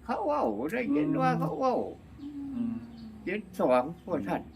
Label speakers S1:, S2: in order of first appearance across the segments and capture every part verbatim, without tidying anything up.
S1: เขาเว้าได้ยินว่าเขาเว้าเจ็ดสองพวกท่าน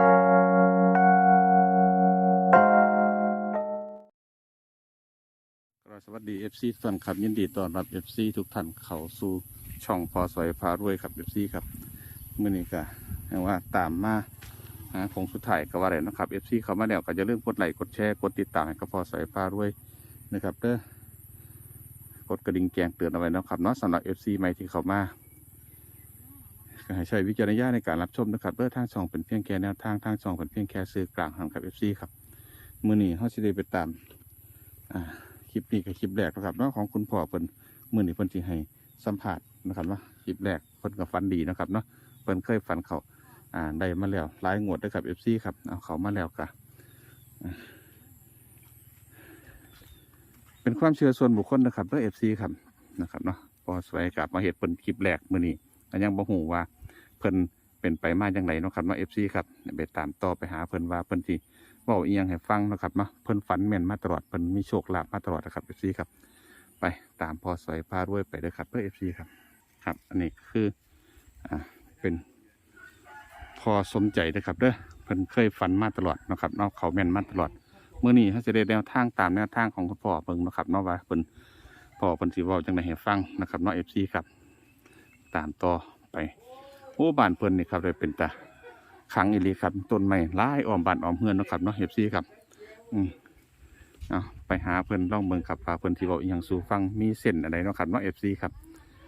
S2: สวัสดี เอฟ ซี ทุกท่านครับยินดีต้อนรับ เอฟ ซี ทุกท่านเข้าสู่ช่องพอสวยพารวยครับ เอฟ ซี ครับมื้อนี้ก็แปลว่าตามมาหาของสุดท้ายก็ว่าได้นะครับ เอฟ ซี เข้ามาแล้วก็อย่าลืมกดไลค์กดแชร์กดติดตามให้กับพอสวยพารวยนะครับเด้อกดกระดิ่งแจ้งเตือนเอาไว้นะครับเนาะสำหรับ เอฟ ซี ใหม่ที่เข้ามาก็ให้ใช้วิจารณญาณในการรับชมนะครับเด้อทางช่องเป็นเพียงแค่แนวทางทางช่องเป็นเพียงแค่สื่อกลางครับ เอฟ ซี ครับมื้อนี้เฮาสิได้ไปตามอ่าคลิปนี้กับคลิปแรกนะครับเนาะของคุณพ่อเพิ่นมื้อนี้เพิ่นสิให้สัมภาษณ์นะครับว่าคลิปแรกเพิ่นก็ฝันดีนะครับเนาะเพิ่นเคยฝันเขาอ่าได้มาแล้วหลายงวดด้วยครับ เอฟ ซี ครับเอาเขามาแล้วก็เป็นความเชื่อส่วนบุคคลนะครับเด้อ เอฟ ซี ครับนะครับเนาะพอสวยกับมาเฮ็ดเพิ่นคลิปแรกมื้อนี้ก็ยังบ่ฮู้ว่าเพิ่นเป็นไปมาจังไดเนาะครับเนาะ เอฟ ซี ครับไปตามต่อไปหาเพิ่นว่าเพิ่นสิเว้าอีหยังให้ฟังนะครับเนาะเพิ่นฝันแม่นมาตลอดเพิ่นมีโชคลาภมาตลอดนะครับ เอฟ ซี ครับไปตามพอสวยพารวยไปเลยครับเพื่อ เอฟ ซี ครับครับอันนี้คืออ่าเป็นพอสมใจนะครับเด้อเพิ่นเคยฝันมาตลอดนะครับเนาะเขาแม่นมาตลอดเมื่อนี้เขาจะได้แนวทางตามแนวทางของคุณพ่อเบิ่งนะครับเนาะว่าเพิ่นพ่อเพิ่นสิเว้าจังได๋ให้ฟังนะครับเนาะ เอฟ ซี ครับตามต่อไปโอ้บ้านเพิ่นนี่ครับเลยเป็นตาขังอีหลีครับต้นไม้หลายอ้อมบ้านอ้อมเฮือนเนาะครับเนาะ เอฟ ซี ครับอืมเอาไปหาเพิ่นลองเบิ่งครับว่าเพิ่นสิเว้าอีหยังสู่ฟังมีเส้นอะไรเนาะครับเนาะ เอฟ ซี ครับ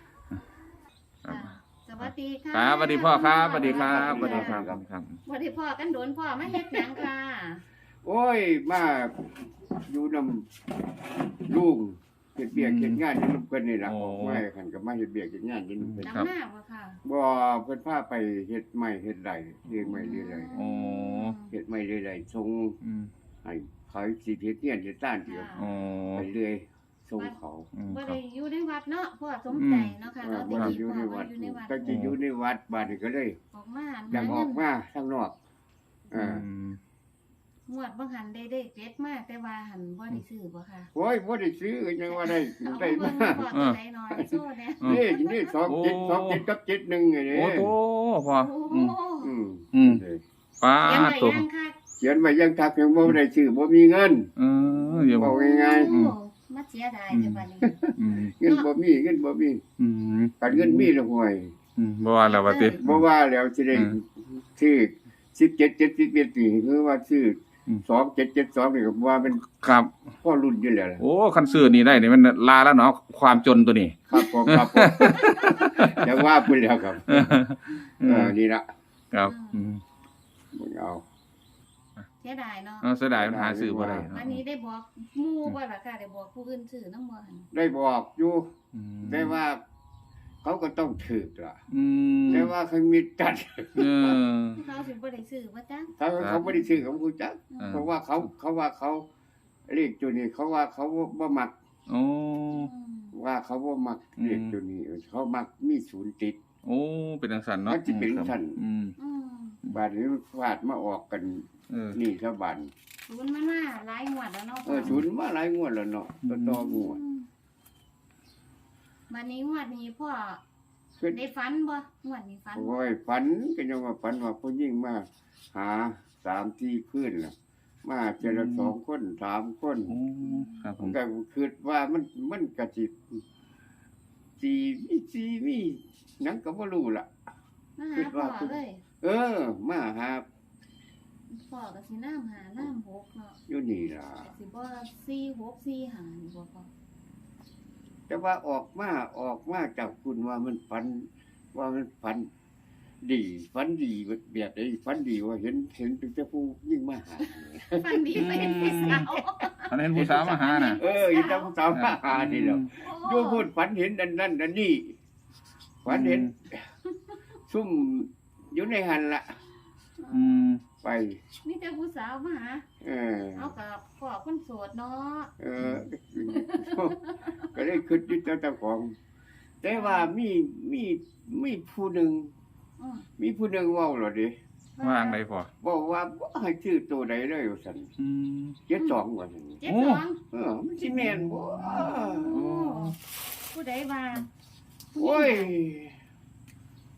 S3: สวัสดีค่ะ
S2: ครับสวัสดีพ่อครับสวัสดีครับสวัสดีครับครับ
S3: สวัสดีพ่อกันโดนพ่อมาเฮ็ดหยังค่ะ
S1: โอ้ยมาอยู่นำลุงเฮ็ดเบียกเฮ็ดงานอยู่นำเพิ่นนี่ล่ะไม่คันก็มาเฮ็ดเบียกเฮ็ดงานอยู่นำเพิ่น
S3: ดำหน้าบ่ค่ะ
S1: บ่เพิ่นพาไปเฮ็ดไม้เฮ็ดไร่เลี้ยงไม้เลี้ยงไร่
S2: โอ้
S1: เฮ็ดไม้เลี้ยงไร่ส่ง
S2: อืม
S1: ให้เขาสิเฮ็ดเฮียนเฮ็ดต้านเดียว
S2: โอ้
S1: ไปเรื่อยส่งเขา
S2: อืม
S3: บ่
S2: ครั
S3: ได้
S2: บ
S3: อยู่ในวัดเนาะพ่อสมใจเนาะค่ะ
S1: เออ
S3: เรา
S1: บ่
S3: ได้
S1: ได้
S3: ยิน
S1: อยู่
S3: พ่
S1: ใน
S3: อ
S1: วั
S3: ว่า
S1: ด
S3: อยู่ในวัด
S1: ก็จะอยู่ในวัดบาดนี้ก็เลย
S3: ออกมา
S1: อยากออกมาข้างนอกเออ
S3: งวดบ่หันได้ได้เจ็ดมาแต่ว่าหันบ่ได้ซื้อบ่ค่ะ
S1: โอ้ยบ่ได้ซื้อยังว่าได้
S3: เอา
S1: ได้
S3: เบิ่
S1: มาง
S3: พ่อตัวใดหน่อยโซ่แน่
S1: นี่นี่สองเจ็ดสองเจ็ดกับเจ็ดหนึ่งไงนี่
S2: โอ้โตพ่อ
S3: โอ้
S2: อืม
S1: อืม
S2: อืมป้า
S3: ยังไง
S2: ตัว
S3: ยังค่ะ
S1: เขียนไว้ยังทักยังบ่ได้ซื้อบ่มีเงิน
S2: เออเดี๋ยว
S1: บอกง่าย
S3: โอ้มาเสียดายแต่บัดนี้
S2: อืม
S1: ๆเงินบ่มีเงินบ่มี
S2: อืม
S1: การเงินมีแล้วห่วย
S2: อืมบ่ว่าแล้วว่าติ
S1: บ่ว่าแล้วสิได้ซื้อสิบเจ็ด เจ็ดสิบเอ็ดนี่คือว่าซื้อสองเจ็ดเจ็ดสองนี่ก็ว่าเป็น
S2: ครับ
S1: พ่อรุ่นอยู่แล้วล่ะ
S2: โอ้คันซื้อนี่ได้นี่มันลาแล้วเนาะความจนตัวนี้
S1: ครับผมครับผมจะว่าพุ่นแล้วครับ
S2: เออ
S1: เออนี่ล่ะ
S2: ครับอืม
S1: มึงเอา
S3: เสียดายเนาะ
S2: เออเสียดายมันหาซื้อบ่ได้
S3: อันนี้ได้บอกหมู่บ่ล่ะค่ะได้บอกผู้อื่นซื้อนำบ่หั่น
S1: ได้บอกอยู่
S2: อืม
S1: ได้ว่า เขาก็ต้องถือล่ะ
S2: อืม
S1: แต่ว่าเขามีจัด
S2: เออ
S3: เขาสิบ่ได้ซื้อบ่จ๊ะ
S1: ถ้าเขาไม่ได้ซื้อเขาคูจัก
S2: อ่า
S1: เพราะว่าเขาเขาว่าเขาเรียกตัวนี้เขาว่าเขาบ่มัก
S2: โอ้
S1: ว่าเขาบ่มัก
S2: อืม
S1: เรียกตัวนี้เขามักมีศูนย์ติด
S2: โอ้เป็นจังซั่นเนาะ
S1: มันสิเป็นจังซั่น
S2: อืม
S3: อืม
S1: บาดนี้ฟาดมาออกกัน
S2: เออ
S1: นี่ซะบาด
S3: ศูนย์มันมาหลายงวดแล้วเนาะ
S1: เออศูนย์มาหลายงวดแล้วเนาะต่อต่องวด
S3: อืมวันนี้งวดนี้พ่อ
S1: คือ
S3: ได้ฝันบ่งวดนี้ฝันบ่
S1: โอ้ยฝันก็ยังว่าฝันว่าผู้หญิงมาหาสามที่คืนล่ะมาเจอละสองคนสามคน
S2: โอ้ครับผ
S1: ผม มก็คิดว่ามันมันก็สิสีมีสีมีหยังก็บ่รู้ล่ะ
S3: มาหาพ่อเลย
S1: เออ มาหา
S3: พ่อก็สิน้ำหาน้ำหกเนาะ
S1: อยู่นี่ล่ะ
S3: สิบ่สี่หกสี่หานี่บ่พ่อ
S1: แต่ว่าออกมาออกมาจากคุณว่ามันฝัน ว่ามันฝัน ดีฝันดีแบบไอ้ฝันดีว่าเห็นเห็นเป็นเจ้าผู้ยิ่งมาหา
S3: ฝันดีไปเห็นพี่สาว
S2: อันนั้นผู้สาวมาหาน่ะ
S1: เออเห็นเจ้าผู้สาวมาหานี่แหละ
S3: โอ้
S1: โยพูดฝันเห็นอันนั้นอันนี้ฝันเห็น ซุ่มอยู่ในหันละ
S2: อืม
S1: ไป
S3: มีแต่ผู้สาวมาหา
S1: เออ
S3: เอากับพ่อคนโสดเนาะ
S1: เออ ก็เลยคิดอยู่เจ้าของ แต่ว่ามีมีมีผู้หนึ่ง
S3: อืม
S1: มีผู้หนึ่งเว่าหรอดิ
S2: ว่างไดพอ
S1: บอกว่าบ่ให้ชื่อตัวใดเลยว่าซั่น
S2: อืม
S1: เจ็ดสองว่าซั่น
S3: เจ็ดสอง
S1: เออมันสิแม่นบ่
S3: โอ้ผู้ใดว่า
S1: โอ้ย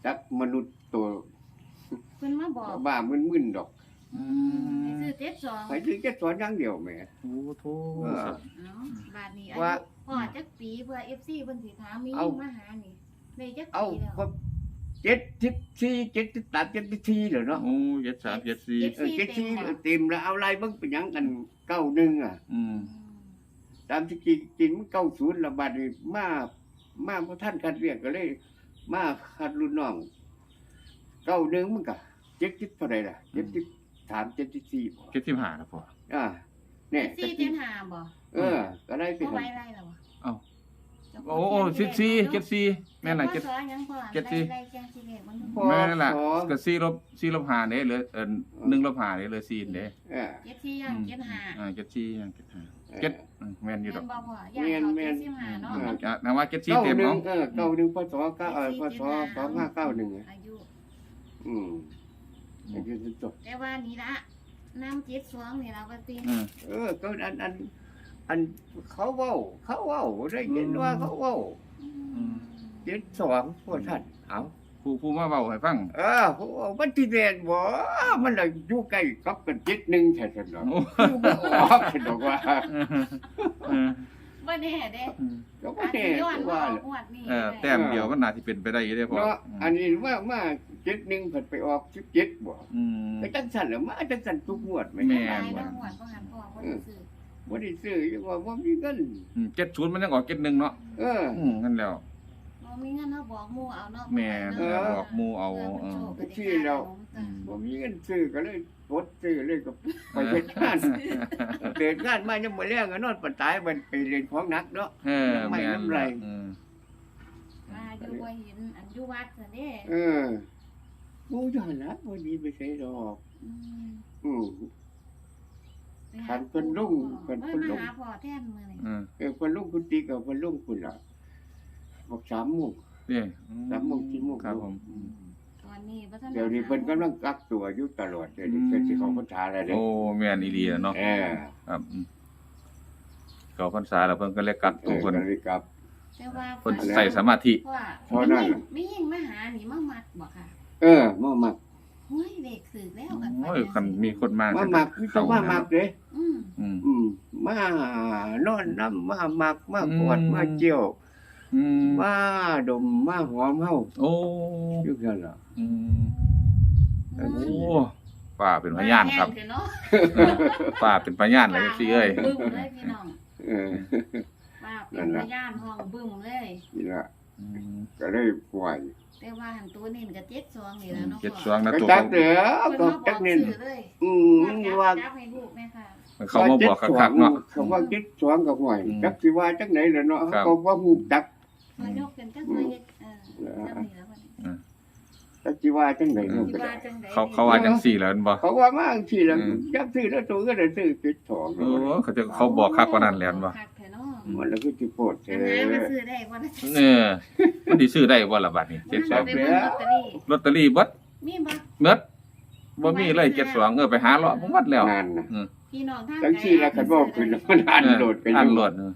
S1: จักมนุษย์ตัว
S3: เพิ่นมาบอก
S1: บ้ามึนๆดอก
S2: อืม
S3: ให้ซื้อเจ็ดสอง
S1: ไปถึงจะสอนอย่างเดียวแหม่
S2: โอ้โถ
S1: เออ
S2: ครับ
S3: เนาะบาทนี้อา
S1: ว่า
S3: ยุพ่อจักปีเพื่อ เอฟ ซี เพิ่นสิถามมี
S1: เอา
S3: มาหานี่ได้จัก
S1: เอา
S3: ปีแล้ว
S1: ก็เจ็ดสิบสี่เจ็ดสิบสามเจ็ดสิบสี่เหรอเนาะ
S2: โอ้เจ็ดสามเจ็ดสี่
S1: เออเจ็ดสี่เต็มแล้วเอาอะไรเบิ่งเป็นหยังกันเก้าหนึ่งอ่ะ
S2: อืม
S1: ตามที่จริงจริงมันเก้าศูนย์ละบาดนี้มามาพระท่านคัดเรียกก็เลย มาคัดรุ่นน้องเก้าหนึ่งมันก็เจ็ดสิบเท่าไหร่ล่ะเจ็ดสิบสามเจ็ดสิบสี่บ่
S2: เจ็ดสิบห้าครับพ่อ
S1: อ่าเนี่ย
S3: เจ็ดสี่เจ็ดห้าบ่
S1: เออ ก็ได้ไป
S3: บ่
S1: หั่
S3: ไว้
S1: น
S3: ไรแล้วบ่
S2: เอ้า
S3: เจ้าข
S2: โอ้
S3: ง
S2: โอ้
S3: เขี
S2: สิ
S3: ย
S2: บ
S3: น
S2: สี่
S3: เลข
S2: เจ็ดสี่แม่นน่ะ
S3: เจ็
S2: เจ็
S3: ด
S2: ด
S3: พศยังพ่อ
S2: เจ็ดสี่
S3: ได้แจ้งสิเลขมัน
S1: พอ
S2: แม่นล่ะ
S1: สอ
S2: ก็สี่ลบสี่ลบห้าเด้เหลือเอ่อหนึ่งลบห้าเด้เหลือสี่เด้
S1: เออ
S3: เจ็ดสี่ย่างเจ็ดห้า
S2: อ่าเจ็ดสี่ย่างเจ็ดห้าเจ็ดอืมแม่นอยู่ด
S3: แม่
S2: อก
S3: นบ่พ่อย่างเขาเจ็ดสิบห้าเนาะ
S2: อืมอ่ะนะว่าเจ็ดสี่
S1: เก้า
S2: เต็ม
S1: หนึ่ง
S2: เนาะ
S1: เออเก้าหนึ่งพศเก้าเออพศสองห้าเก้าหนึ่ง
S3: อายุ
S1: อืมอายุสิบสอง
S3: แต่ว่านี่ละน้ำเจ็ดสองนี่ละว่าติ
S2: อืม
S1: เออก็อันอันอันเขาเว้าเขาเว้าได้ยินว่าเขาเว้า
S3: อืม
S1: เจ็ดสองพวกท่านเอา
S2: ผู้ผู้มาเว้าให้ฟัง
S1: เออเขาว่ามันที่แดนบ่มันเลยอยู่ใกล้กับกันเจ็ดหนึ่งใช่ไหม
S2: โอ้
S1: อยู่บ่ออกฉันบอกว่า
S2: เออ
S3: บ่แน่เด้
S1: ก็บ่
S3: อาจ
S1: แน่
S3: สิย้อนว่า
S1: ว่า
S3: งวดนี้
S2: เออแต้มเดียวมันน่าสิเป็นไปได้อยู่เด้พ่อ
S1: เนาะอันนี้ว่ามาเจ็ดหนึ่งเพิ่นไปออกสิบเจ็ดบ่
S2: อืม
S1: ก็จังสั่นแหล้วมาจังสั่นทุกงวดไหม
S2: แม่
S3: หลายดอกงวดบ่หันพ่อบ่ได้ซื้อ
S1: บ่ได้ซื้อยังว่าบ่มีเงิน
S2: อืมเจ็ดศูนย์มันยังออกเจ็ดหนึ่งเนาะ
S1: เออ
S2: อืมนั่นแล้ว
S3: บ่มีเงินเฮาบอกหมู่เอาเนาะ
S2: แม่
S3: เออ
S2: บอกหมู่เอาเออ
S1: ที่เรา บ่มีเงินซื้อก็เลยกดซื้อเลยก็ไปเฮ็ดงานเดินงานมายังบ่แล้วก็นอนปานตายมันไปเล่นของหนักเนาะ
S2: เออ
S1: ไม่
S2: แม่น
S1: น้ำไหล
S2: อืม
S3: ว่าอยู่บ่เห็นอันอยู่วัดซะเด้
S1: เออบ่ย้อนละบ่ดีไปใส่ดอก
S3: อืม
S1: อือ
S3: ไปหา
S1: คันเพิ่นลุงเพิ่นเพิ่นลุง
S3: มาหาพ่อแทนมื้อนี้
S2: อืม
S1: เออเพิ่นลุงคุณติ๊กกับเพิ่นลุงคุณล่ะบอกสามโมง
S2: นี่อื
S1: สามโมงสี่โมง
S2: ครับผมอืม
S3: ตอนนี้บ่ทัน
S1: เดี๋ยวนี้เพิ่นกำลังกักตัวอยู่ตลอดเดี๋ยวนี้
S2: อืม
S1: เพิ่นสิเข้าพรรษาแล้วเด้
S2: โอ้แม่นอีหลีอะเนาะ
S1: เออ
S2: ครับอืมเข้าพรรษาแล้วเพิ่นก็เลยกัก
S1: เอ
S2: ตัว
S1: อ
S2: เพิ่น
S1: ก็เลยกลับ
S3: แต่ว่า
S2: เพิ่นใส่สมาธิ
S3: เพราะว่า
S1: เท่านั้น
S3: ไม่ยิ่งมาหานี่มามัดบ่ค่ะ
S1: เออมามัก
S3: เฮ้ยเด็กสึกแล้วกัน
S2: โอ้ยคันมีคนมา
S1: มามักคือต้องมามักเด้
S3: อืม
S2: อืม
S1: อืมมานอนน้ำมามักมากอด
S2: อืม
S1: มาเจียว
S2: อืม
S1: มาดมมาหอมเฮา
S2: โอ้
S1: อยู่ซั่นล่ะ
S2: อืมโอ้ป้าเป็นพยานครับ
S3: แห้งเถอะเนาะ
S2: ป้าเป็นพยานเลยสิเอ้ย
S3: บึ้มเลยพี่น้อง
S1: เออ
S3: ว่าเป็นพยานห้องบึ้มเลย
S1: นี่ล่ะ
S2: อืม
S1: ก็เลยปล่อย
S3: แต่ว่าหันตัวนี่มันก็เจ็ดสองนี่แหล้วเนาะ
S2: เจ็ดสวงนะ
S1: ก็
S2: ตัว
S1: จั
S2: เขา
S1: กเด้อ
S3: เพิ่น
S1: ก็
S3: มาบ
S1: จั
S3: อก ก
S1: เน้น
S3: ชื่อเลย
S1: อืม
S3: ว่า
S1: ว่า
S3: จับให้ลูกแม่ค่ะ
S2: เขามาบอกคักๆเนาะ
S1: เขาว่าเจ็ดสองกับหวย
S2: อืม
S1: จักสิว่าจักไหนล่ะเนาะ
S2: ครับ
S1: เขาว่าฮู้จัก
S3: มายกกันจังเลยเออจังนี่แล้วบัดนี้
S1: จักสิว่าจังไหนเนาะ
S3: สิว่าจังได๋
S2: เขาเขาว่าจังสี่แล้วแม่นบ่
S1: เขาว่ามาจังซี่ล่ะ
S2: อืม
S1: จักซื้อแล้วตัวก็ได้ซื้อเจ็ดสอง
S2: โอ้เขาจะเขาบอกคักกว่านั้นแล้วแม่นบ่
S3: คักแท้เนาะ
S1: มันแล้วก็สิโพด
S3: จั
S1: แท้
S3: งได๋มาซื้อได้บ่ล่ะ
S2: เออมันสิซื้อได้บ่ล่ะบัดนี้
S3: มัน
S2: เจ็ดส
S3: ก็
S2: อง
S3: ไปเบิ่งลอตเตอรี่
S2: ลอตเตอรี่เบิด
S3: มีบ่
S2: เบิดบ่มีเลยเจ็ดสองเออไปหาเลาะบ่หมดแล้ว
S1: นั่นน่ะ
S3: พี่น้องทาง
S1: จังซี่ล่ะคันว่าขึ้นมันอ่านโหลดกันอ
S2: อัน
S1: ยู่
S2: โหลดเออง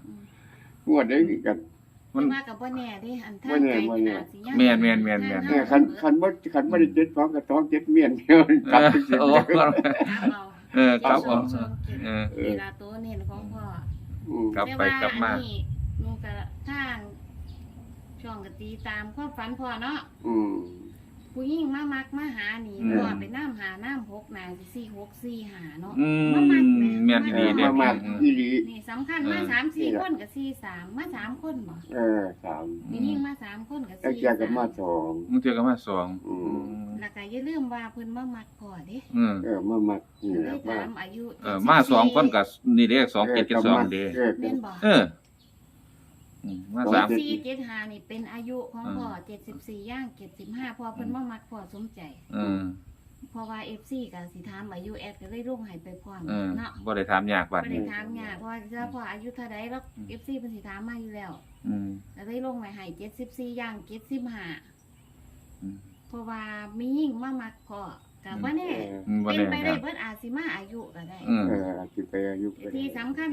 S1: วดได้กัน
S2: มัน
S3: ว่ากับบ่แน่เด้อันทาง
S1: บ่แน่
S3: ไกล
S1: บ่แน่
S3: อาจสิยัง
S2: แม่นแม่นแม่นแม่น
S1: เออคันคันบ่คันบ่ได้เจ็ดสองกับสองเจ็ดเมียนเดียวกลับไปสิ
S2: โอ้
S3: ถามเอา
S2: เออครับผม
S3: สองเจ็ด
S2: เออ
S3: เวลาตัวเน้นของพ่อ
S1: อืม
S2: ครับ
S3: แต่
S2: ไป
S3: ว่าก
S2: ลับมา
S3: อันนี้หนูก็ทางช่องก็ตีตามความฝันพ่อเนาะ
S1: อืม
S3: ผู้หญิงมามักมาหานี่
S2: อืม
S3: พ่อไปน้ำหาน้ำหกน่ะสิสี่หกสี่หาเนาะ
S2: อืม
S3: มามักแห
S2: แม่น
S1: เอ
S2: ดี
S1: อ
S2: เด้
S1: มามาอีหลี
S3: นี่สำคัญมา
S2: เออ
S3: สามสี่คนกับสี่สามมาสามคนบ่
S1: เออสาม
S3: ผู้หญิงมาสามคนกับ
S1: แล้ว
S3: สี่
S1: แกก็
S3: สาม
S1: มาสอง
S2: มึงเจอกันมาสอง
S1: อืม
S3: แล้วก็อย่าลืมว่าเพิ่นมามักพ่อเด้
S2: อืม
S1: เออมามักนี่
S3: เล
S1: แหละ
S3: ย
S1: มา
S3: ถามอายุ
S2: เออมาสองคนกับนี่เด้สองเจ็ดเจ็ดสองเด้
S1: เออ
S3: เล่นบ่
S2: เอออืมมาสาม
S3: สี่เจ็ดห้านี่เป็นอายุของพ่อเจ็ดสิบสี่ย่างเจ็ดสิบห้าพอเพิ่นมามักพ่อสมใจ
S2: เออ
S3: เพราะว่า เอฟ ซี ก็สิถามอายุแอดก็เลยลงให้ไปพร้อม
S2: เออ
S3: เนาะ
S2: บ่ได้ถามยากบัด
S3: บ่ได้
S2: นี้
S3: ถามยากเพราะว่าถ้าพ่ออายุเท่าใดแล้ว เอฟ ซี เพิ่นสิถามมาอยู่แล้ว
S2: อืม
S3: ก็เลยลงไว้ให้เจ็ดสิบสี่ย่างเจ็ดสิบห้า
S2: อืม
S3: เพราะว่ามียิ่งมามักพ่อก็บ่แน่
S2: อืมบ่
S3: เป็น
S2: แน่
S3: ไป
S2: ค
S3: ได้
S2: รับ
S3: เบิดอาจสิมาอายุก็ได้
S2: อืม
S1: เอออาจจะไปอายุก็ได้
S3: ที่สำคัญ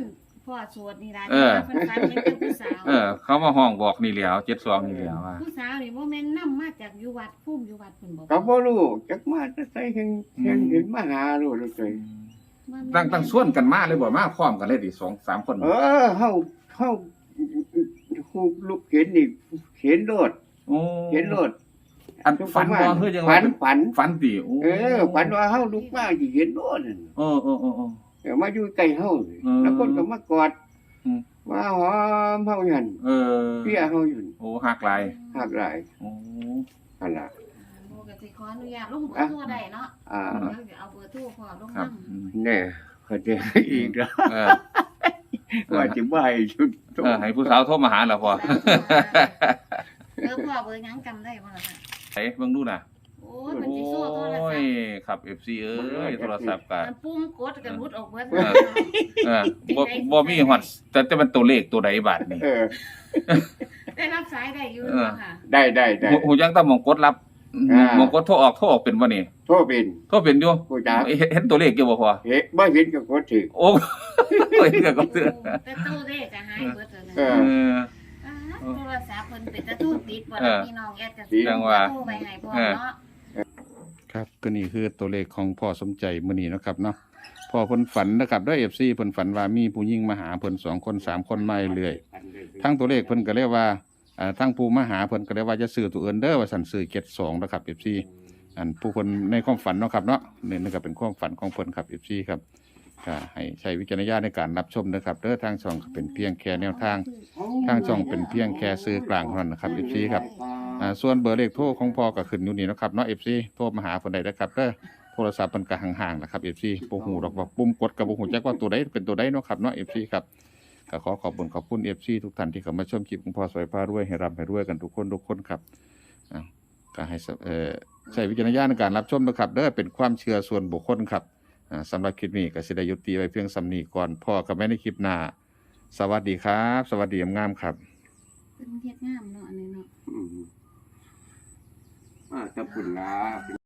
S3: พ่อสวดนี่ล่ะ
S2: เออ
S3: เพิ่นฝันเห็นแต่ผู้สาว
S2: เออ เขามาห้องบอกนี่แหล้วเจ็ดสองนี่แหล้วว่า
S3: ผู้สาวนี่บ่แม่นนำมาจากอยู่วัดภูมิอยู่วัดเพิ่นบอก
S1: ก็บ่รู้จักมาจะใส่เห็นเห็นเห็นมาหารู้เลย
S2: ตั้งตั้งส่วนกันมาเลยบ่มาพร้อมกันเลยดิสองสามคน
S1: เออเฮาเฮาฮู้ลูกเห็นนี่เห็นโลด
S2: โอ้
S1: เห็นโลด
S2: อันฝันบ่คือจัง
S1: ฝั
S2: ว่าน
S1: ฝัน
S2: ฝันติโอ้
S1: เออฝันว่าเฮาลุกมาสิเห็นโลดนั่น
S2: เออเออเออเออ
S1: เดี๋ยวมาอยู่ใกล้เฮา
S2: อืม
S1: แล้วคนก็มากอด
S2: อืม
S1: มาหอมเฮาหั่น
S2: เออ
S1: เปียเฮาอยู่
S2: โอ้หักหลาย
S1: หักหลาย
S2: โอ้
S1: หั่นล่ะ
S3: โอ้ก็สิขออนุญาตลงเบอร์โทรได้เนาะ
S1: อ่า
S3: เดี๋ยวเอาเบอร์โทรพ่อลง
S2: ครับ
S3: นำ
S2: อืม
S1: แน่เขาจะอีกแล้ว
S2: เออ
S1: ว่าจะบ่ให้ชุด
S2: เออให้ผู้สาวโทรมาหาแล้วพอ
S3: เบอร์พ่อเบอร์หยังจำได้บ่ล่ะค่ะ
S2: ไอ้เบิ่งดูน่ะ
S3: โอ้ยมันสิโซ่โทรศัพ
S2: โอ้ย
S3: ท์
S2: ครับ เอฟ ซี เอ้ยโทรศัพท์ก็
S3: มันปุ่มกดก็รุดออกเบิด
S2: เออ เออบ่บ่มีฮอดแต่แต่มันตัวเลขตัวใดบาดนี่
S1: เออ
S3: ได้รับสายได้อยู่
S2: เออ
S3: เนาะค่ะ
S1: ได้ได้ได้
S2: หูหูจักแตะมองกดรับ
S1: อ่า
S2: มองกดโทรออกโทรออกเป็นบ่นี่
S1: โทษเป็น
S2: โทรเป็นอยู่
S1: ผู้จัก
S2: เห็นเห็นตัวเลขอยู่บ่พอ
S1: เห็นบ่เห็นก็กดถึง
S2: โอ้เห็นก็กดเตือน
S3: แต่ตู้เลขก็หายเบิดแล้วนะ
S1: เอ
S2: เออ
S3: อ่าโทรศัพท์เพิ่นเป็นตะทูตติดบ่
S2: เอ
S3: ล่ะ
S2: อ
S3: พี่น้องแอดก็
S1: ดี
S2: จังว่า
S3: โทรไปให้พ่อเนาะ
S2: ครับก็นี่คือตัวเลขของพ่อสมใจมื้อนี้เนาะครับเนาะพ่อเพิ่นฝันนะครับด้วย เอฟ ซี เพิ่นฝันว่ามีผู้หญิงมาหาเพิ่นสองคนสามคนมาเรื่อยทั้งตัวเลขเพิ่นก็เรียกว่าอ่าทั้งผู้มาหาเพิ่นก็เรียกว่าจะซื้อตัวอื่นเด้อว่าสั่นซื้อเจ็ดสองนะครับ เอฟ ซี อันผู้เพิ่นในความฝันเนาะครับเนาะนี่นี่ก็เป็นความฝันของเพิ่นครับ เอฟ ซี ครับก็ให้ใช้วิจารณญาณในการรับชมนะครับเด้อทางช่องก็เป็นเพียงแค่แนวทางทางช่องเป็นเพียงแค่ซื้อกลางเท่านั้นนะครับ เอฟ ซี ครับอ่าส่วนเบอร์เลขโทรของพ่อก็ขึ้นอยู่นี่เนาะครับเนาะ เอฟ ซี โทรมาหาเพิ่นได้นะครับเด้อโทรศัพท์มันก็ห่างๆนะครับ เอฟ ซี บ่ฮู้ดอกว่าปุ่มกดก็บ่ฮู้จักว่าตัวใดเป็นตัวใดเนาะครับเนาะ เอฟ ซี ครับก็ขอขอบคุณขอบคุณ เอฟ ซี ทุกท่านที่เข้ามาชมคลิปของพ่อสวยพารวยให้ร่ำให้รวยกันทุกคนทุกคนครับอ้าวก็ให้สเอ่อใช้วิจารณญาณในการรับชมนะครับเด้อเป็นความเชื่อส่วนบุคคลครับอ่าสำหรับคลิปนี้ก็สิได้ยุติไว้เพียงสำนีก่อนพ่อกับแม่ในคลิปหน้าสวัสดีครับ สวัสดีงามๆครับ
S3: เป็นเฮ็ดงามเนาะอันนี้เนาะ
S1: อืมอ่าถ้าพุ่นลา